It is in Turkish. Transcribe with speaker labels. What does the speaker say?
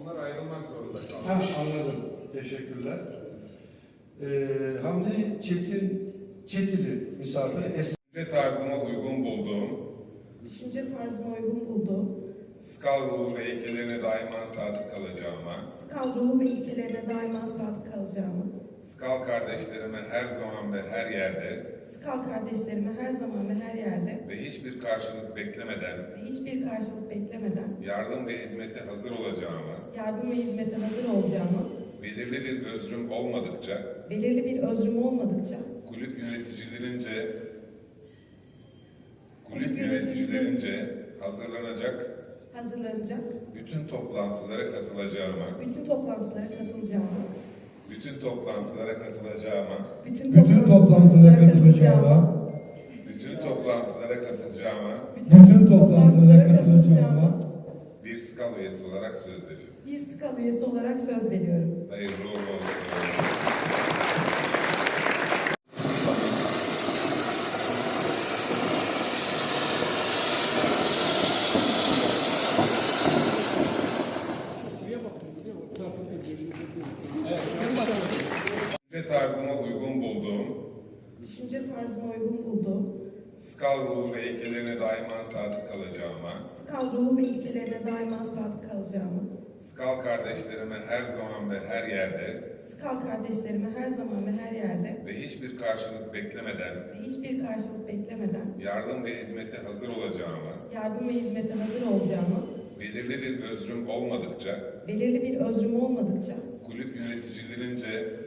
Speaker 1: Onlar ayrılmak zorunda kaldı.
Speaker 2: Ha, anladım. Teşekkürler. Hamdi Çetili misafir.
Speaker 1: Düşünce tarzıma uygun bulduğum,
Speaker 3: Düşünce tarzıma uygun bulduğum,
Speaker 1: Skal ruhu ve ilkelerine daima sadık kalacağıma,
Speaker 3: Skal ruhu ve ilkelerine daima sadık kalacağımı,
Speaker 1: Skal kardeşlerime her zaman ve her yerde
Speaker 3: Skal kardeşlerime her zaman ve her yerde
Speaker 1: ve hiçbir karşılık beklemeden
Speaker 3: ve hiçbir karşılık beklemeden
Speaker 1: yardım ve hizmete hazır olacağıma,
Speaker 3: yardım ve hizmete hazır olacağımı,
Speaker 1: belirli bir özrüm olmadıkça,
Speaker 3: belirli bir özrüm olmadıkça,
Speaker 1: kulüp yöneticilerince hazırlanacak
Speaker 3: hazırlanacak,
Speaker 1: bütün toplantılara katılacağıma,
Speaker 3: bütün toplantılara katılacağımı,
Speaker 1: bütün toplantılara katılacağıma,
Speaker 3: bütün
Speaker 2: Bütün toplantılara katılacağıma,
Speaker 1: bütün toplantılara katılacağıma
Speaker 2: bütün toplantılara katılacağıma
Speaker 1: bir Skal üyesi olarak söz veriyorum.
Speaker 3: bir Skal üyesi olarak söz veriyorum.
Speaker 1: Hayırlı uğurlu olsun. Düşünce tarzıma uygun bulduğum,
Speaker 3: Düşünce tarzıma uygun bulduğum,
Speaker 1: Skal ruhu ve ilkelerine daima sadık kalacağıma,
Speaker 3: Skal ruhu ve ilkelerine daima sadık kalacağımı,
Speaker 1: Skal kardeşlerime her zaman ve her yerde
Speaker 3: Skal kardeşlerime her zaman ve her yerde
Speaker 1: ve hiçbir karşılık beklemeden
Speaker 3: ve hiçbir karşılık beklemeden
Speaker 1: yardım ve hizmete hazır olacağıma,
Speaker 3: yardım ve hizmete hazır olacağımı,
Speaker 1: belirli bir özrüm olmadıkça,
Speaker 3: belirli bir özrüm olmadıkça,
Speaker 1: kulüp yöneticilerince